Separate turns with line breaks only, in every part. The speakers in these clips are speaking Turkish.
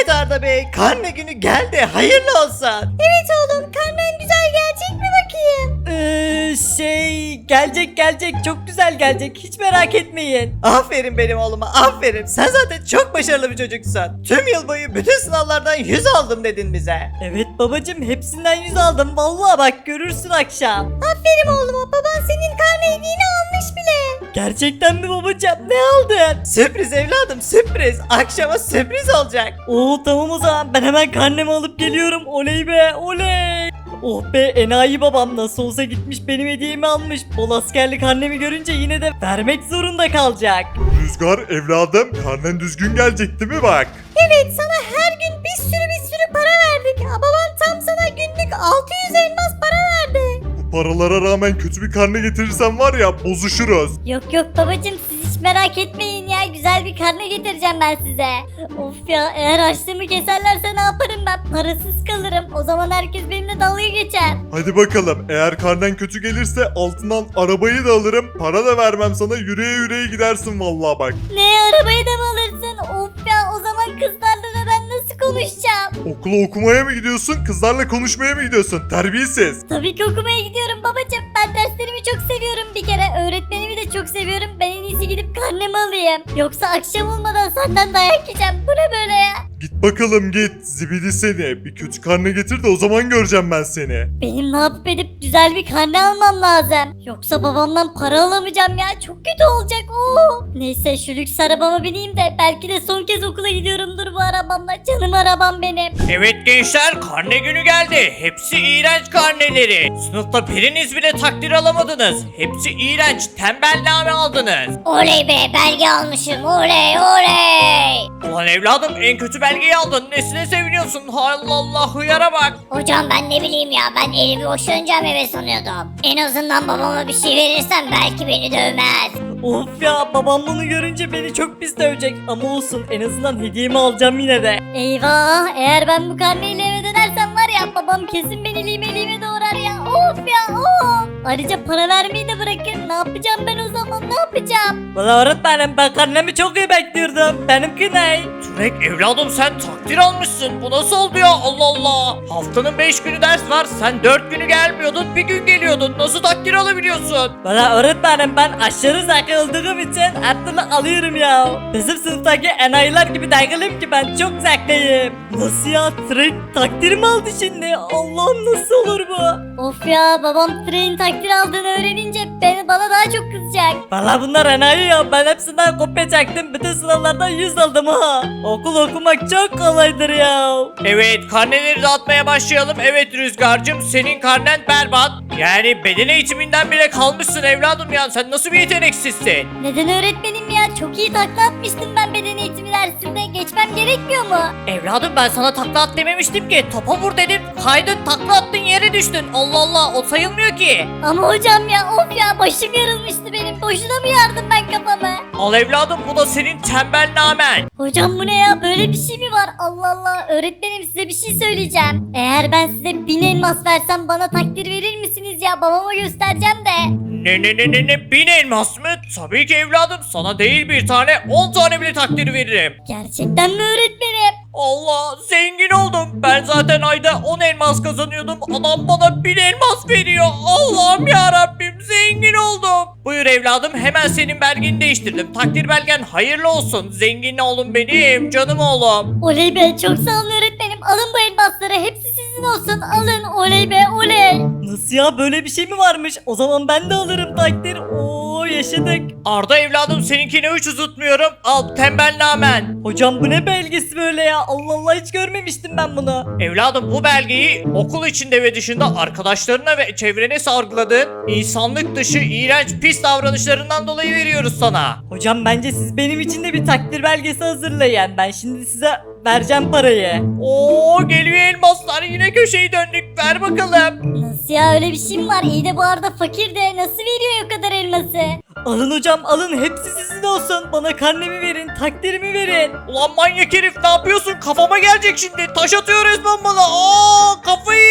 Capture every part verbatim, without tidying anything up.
Evet Arda Bey, karne günü geldi. Hayırlı olsun.
Evet oğlum, karnen güzel gelecek mi bakayım?
Ee, şey gelecek gelecek çok güzel gelecek hiç merak etmeyin.
Aferin benim oğluma, aferin. Sen zaten çok başarılı bir çocuksun. Tüm yıl boyu bütün sınavlardan yüz aldım dedin bize.
Evet babacım hepsinden yüz aldım vallahi bak görürsün akşam.
Aferin oğluma, baban senin karne hediyeni almış bile.
Gerçekten mi babacım ne aldın?
Sürpriz evladım, sürpriz. Akşama sürpriz olacak.
Oo tamam o zaman ben hemen karnemi alıp geliyorum oley be oley. Oh be enayi babam nasıl olsa gitmiş benim hediyemi almış. Bol askerlik annemi görünce yine de vermek zorunda kalacak.
Rüzgar evladım karnen düzgün gelecek değil mi bak?
Evet, sana her gün bir sürü bir sürü para verdik. Ha, baban tam sana günlük altı yüz elmas para verdi.
Bu paralara rağmen kötü bir karne getirirsen var ya bozuşuruz.
Yok yok babacım, siz hiç merak etmeyin ya, güzel bir karne getireceğim ben size. Of ya, eğer harçlığımı keserlerse ne yaparım ben? Parasız kalırım. O zaman herkes benimle dalga geçer.
Hadi bakalım eğer karnen kötü gelirse altından arabayı da alırım. Para da vermem sana yürüye yürüye gidersin vallahi bak.
Ne, arabayı da mı alırsın? Of ya, o zaman kızlarla da ben nasıl konuşacağım?
Okula okumaya mı gidiyorsun kızlarla konuşmaya mı gidiyorsun terbiyesiz.
Tabii ki okumaya gidiyorum babacım. Ben derslerimi çok seviyorum bir kere. Öğretmenimi de çok seviyorum. Ben en iyisi gidip karnemi alayım. Yoksa akşam olmadan senden dayak yiyeceğim. Bu ne böyle ya?
Git bakalım git zibidi seni bir kötü karne getir de o zaman göreceğim ben seni.
Benim ne yapıp edip güzel bir karne almam lazım. Yoksa babamdan para alamayacağım ya. Çok kötü olacak. Oo. Neyse, şu lüks arabama bineyim de belki de son kez okula gidiyorumdur bu arabamla. Canım arabam benim.
Evet gençler karne günü geldi. Hepsi iğrenç karneleri. Sınıfta biriniz bile takdir alamadınız. Hepsi iğrenç tembelname aldınız.
Oley be, belge almışım. Oley oley.
Ulan evladım en kötü belgeyi aldın. Nesine seviniyorsun? Allah Allah hıyara bak.
Hocam ben ne bileyim ya, ben elimi boş döneceğim eve sanıyordum. En azından babama bir şey verirsem belki beni dövmez.
Of ya babam bunu görünce beni çok pis dövecek ama olsun en azından hediyemi alacağım yine de.
Eyvah, eğer ben bu karneyle eve dönersem var ya, babam kesin beni lime lime doğrar ya. Of ya of. Ayrıca para vermeyi de bırakın. Ne yapacağım ben o zaman, ne yapacağım?
Valla öğretmenim ben karnemi çok iyi bekliyordum. Benimki ne?
Türek evladım sen takdir almışsın. Bu nasıl oldu ya Allah Allah. Haftanın beş günü ders var. Sen dört günü gelmiyordun bir gün geliyordun. Nasıl takdir alabiliyorsun?
Valla öğretmenim ben aşırı zeki olduğum için her türlü alıyorum ya. Bizim sınıftaki enayiler gibi takılayım ki ben çok zekiyim. Nasıl ya Türek takdir mi aldı şimdi? Allah'ım nasıl olur bu?
Of ya, babam train takdir aldığını öğrenince beni bana daha çok kızacak.
Valla bunlar enayi ya ben hepsinden kopya çektim. Bütün sınavlardan yüz aldım ha. Okul okumak çok kolaydır ya.
Evet karneleri dağıtmaya başlayalım. Evet Rüzgar'cığım senin karnen berbat. Yani beden eğitiminden bile kalmışsın evladım ya. Sen nasıl bir yeteneksizsin?
Neden öğretmenim ya? Çok iyi takla atmıştım ben beden eğitimi dersinde. Geçmem gerekmiyor mu?
Evladım ben sana takla at dememiştim ki. Topa vur dedim. Kaydın takla attın yere düştün. Allah Allah o sayılmıyor ki.
Ama hocam ya, of ya, başım yarılmıştı benim. Boşuna mı yardım ben kafamı?
Al evladım bu da senin tembelnamen.
Hocam bu ne ya? Böyle bir şey mi var? Allah Allah. Öğretmenim, size bir şey söyleyeceğim. Eğer ben size bin elmas versem bana takdir verir misiniz ya? Babama göstereceğim de.
Ne ne ne ne ne bin elmas mı? Tabii ki evladım sana değil bir tane on tane bile takdir veririm.
Gerçekten mi öğretmenim?
Allah zengin oldum. Ben zaten ayda on elmas kazanıyordum. Adam bana bin elmas veriyor. Allah'ım ya Rabbim zengin oldum. Buyur evladım hemen senin belgeni değiştirdim. Takdir belgen hayırlı olsun. Zengin oğlum benim canım oğlum.
Oley be, çok sağ olun öğretmenim. Alın bu elmasları. Hepsi sizin olsun. Alın. Oley be, oley.
Nasıl ya böyle bir şey mi varmış? O zaman ben de alırım takdir. Oo yaşadık.
Arda evladım seninkini hiç uzatmıyorum. Al tembelnamen.
Hocam bu ne belgesi böyle ya? Allah Allah hiç görmemiştim ben bunu.
Evladım bu belgeyi okul içinde ve dışında arkadaşlarına ve çevrene sargıladığın insanlık dışı iğrenç pis davranışlarından dolayı veriyoruz sana.
Hocam bence siz benim için de bir takdir belgesi hazırlayın. Ben şimdi size vereceğim parayı.
Oo geliyor elmaslar yine köşeyi döndük ver bakalım.
Nasıl ya, öyle bir şey mi var? İyi de bu arada fakir de nasıl veriyor o kadar elması?
Alın hocam alın hepsi sizin olsun. Bana karnemi verin takdirimi verin.
Ulan manyak herif ne yapıyorsun kafama gelecek şimdi taş atıyor resmen bana. Aa kafayı yemiş.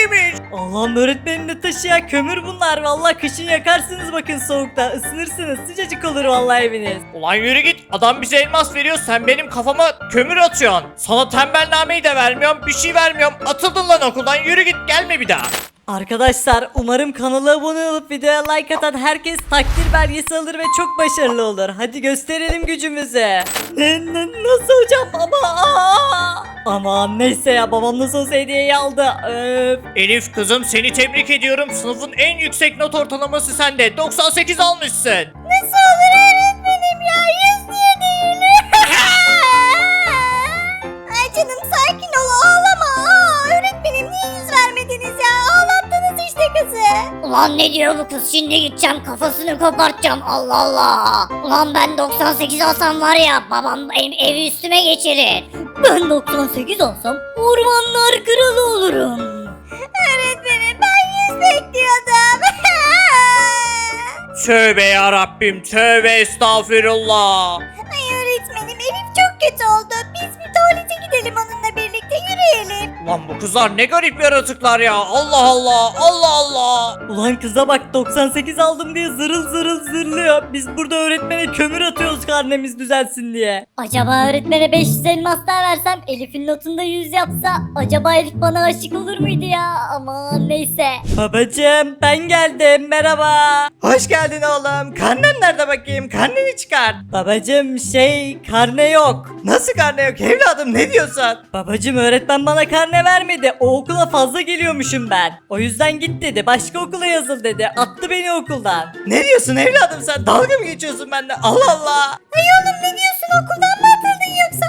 Allah'ım öğretmenim ne taşı ya, kömür bunlar. Vallahi kışın yakarsınız bakın soğukta. Isınırsınız, sıcacık olur vallahi eviniz.
Ulan yürü git, adam bize elmas veriyor, sen benim kafama kömür atıyorsun. Sana tembelnameyi de vermiyorum, bir şey vermiyorum. Atıldın lan okuldan, yürü git, gelme bir daha.
Arkadaşlar umarım kanala abone olup videoya like atan herkes takdir belgesi alır ve çok başarılı olur. Hadi gösterelim gücümüzü. Ne, ne, nasıl hocam ama aa! Aman neyse ya, babam nasıl olsa hediyeyi aldı. Öf.
Elif kızım, seni tebrik ediyorum. Sınıfın en yüksek not ortalaması sende. doksan sekiz almışsın.
Nasıl olur öğretmenim ya? Yüz niye değil? Ay canım sakin ol, ağlama. Aa, öğretmenim niye yüz vermediniz ya? Ağlattınız işte kızı. Ulan ne diyor bu kız? Şimdi gideceğim kafasını kopartacağım. Allah Allah. Ulan ben doksan sekiz alsam var ya, babam ev, evi üstüme geçirir. Ben doksan sekiz alsam ormanlar kralı olurum. Öğretmenim ben yüz bekliyordum.
Tövbe ya Rabbim, tövbe estağfirullah.
Ay öğretmenim, Elif çok kötü oldu. Biz bir tuvalete gidelim onunla birlikte, yürüyelim.
Ulan bu kızlar ne garip yaratıklar ya. Allah Allah, Allah Allah.
Ulan kıza bak, doksan sekiz aldım diye zırıl zırıl zırlıyor. Biz burada öğretmene kömür atıyoruz karnemiz düzelsin diye.
Acaba öğretmene beş yüz elmas daha versem, Elif'in notunda yüz yapsa, acaba Elif bana aşık olur muydu ya? Aman neyse.
Babacım ben geldim, merhaba.
Hoş geldin oğlum. Karnen nerede bakayım? Karneni çıkar.
Babacım şey, karne yok.
Nasıl karne yok evladım, ne diyorsun?
Babacım öğretmen bana karne vermedi. O okula fazla geliyormuşum ben. O yüzden git dedi. Başka okula yazıl dedi. Attı beni okuldan.
Ne diyorsun evladım sen? Dalga mı geçiyorsun bende? Allah Allah.
Ay oğlum ne diyorsun, okuldan mı atıldın yoksa?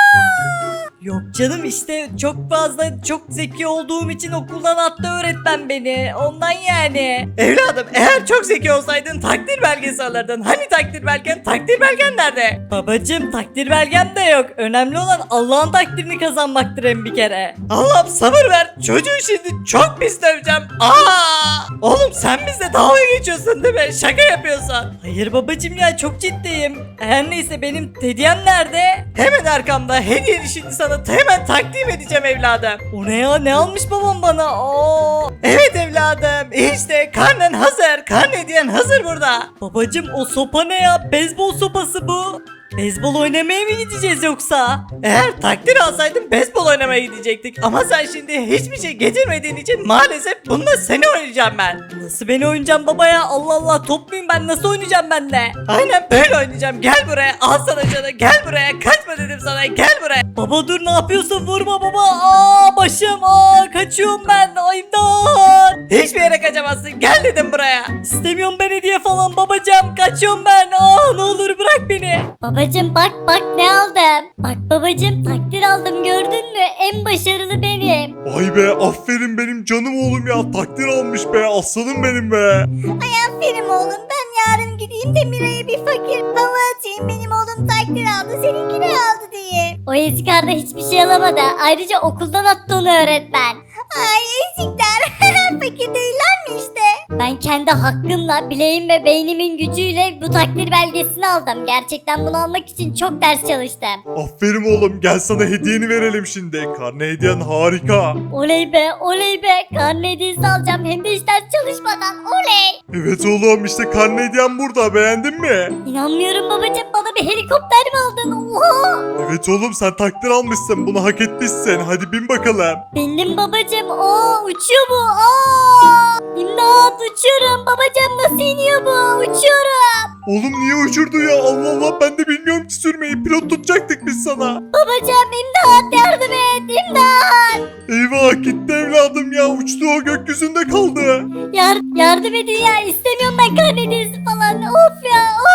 Aa!
Yok canım, işte çok fazla çok zeki olduğum için okuldan attı öğretmen beni. Ondan yani.
Evladım eğer çok zeki olsaydın takdir belgesi alırdın. Hani takdir belgen? Takdir belgen nerede?
Babacım takdir belgem de yok. Önemli olan Allah'ın takdirini kazanmaktır hem bir kere.
Allah'ım sabır ver. Çocuğu şimdi çok pis döveceğim. Aa! Oğlum sen bizle dalga geçiyorsun değil mi? Şaka yapıyorsun.
Hayır babacım ya, çok ciddiyim. Her neyse benim hediyem nerede?
Hemen arkamda hediyeni şimdi sana hemen takdim edeceğim evladım.
O ne ya, ne almış babam bana? Aa!
Evet evladım işte karnen hazır. Karne hediyen hazır burada.
Babacım o sopa ne ya? Beyzbol sopası bu. Beyzbol oynamaya mı gideceğiz yoksa?
Eğer takdir alsaydın beyzbol oynamaya gidecektik. Ama sen şimdi hiçbir şey getirmediğin için maalesef bununla seni oynayacağım ben.
Nasıl beni oynayacağım baba ya? Allah Allah, top muyum ben? Nasıl oynayacağım ben de?
Aynen böyle oynayacağım. Gel buraya al sana canı. Gel buraya. Kaçma dedim sana. Gel buraya.
Baba dur, ne yapıyorsun? Vurma baba. Aa başım. Aa kaçıyorum ben. Ay imdat.
Hiçbir yere kaçamazsın. Gel dedim buraya.
İstemiyorum ben hediye falan babacığım. Kaçıyorum ben. Aa ne olur bırak beni.
Babacım bak bak ne aldım. Bak babacım takdir aldım, gördün mü? En başarılı benim.
Vay be, aferin benim canım oğlum ya, takdir almış be, aslanım benim be.
Ay aferin oğlum, ben yarın gideyim de Miray'a bir fakir hava atayım. Benim oğlum takdir aldı, seninki ne aldı diye. O ezikarda hiçbir şey alamadı. Ayrıca okuldan attı onu öğretmen. Ay ezikler. Fakir değiller mi işte? Ben kendi hakkımla, bileğim ve beynimin gücüyle bu takdir belgesini aldım. Gerçekten bunu almak için çok ders çalıştım.
Aferin oğlum, gel sana hediyeni verelim şimdi. Karne hediyen harika.
Oley be, oley be. Karne hediyesi alacağım, hem de hiç ders çalışmadan. Oley.
Evet oğlum, işte karne hediyen burada, beğendin mi?
İnanmıyorum babacığım, bana bir helikopter mi aldın? Oha.
Evet oğlum, sen takdir almışsın, bunu hak etmişsin, hadi bin bakalım.
Bindim babacığım. Aa uçuyor bu. Aa! İmdat, uçuyorum babacığım, nasıl iniyor bu? Uçuyorum.
Oğlum niye uçurdu ya, Allah Allah, ben de bilmiyorum ki sürmeyi, pilot tutacaktık biz sana.
Babacığım imdat, yardım et, imdat.
Eyvah, gitti evladım ya, uçtu, o gökyüzünde kaldı.
Yar yardım edin ya, istemiyorum ben karne hediyesi falan. Of ya,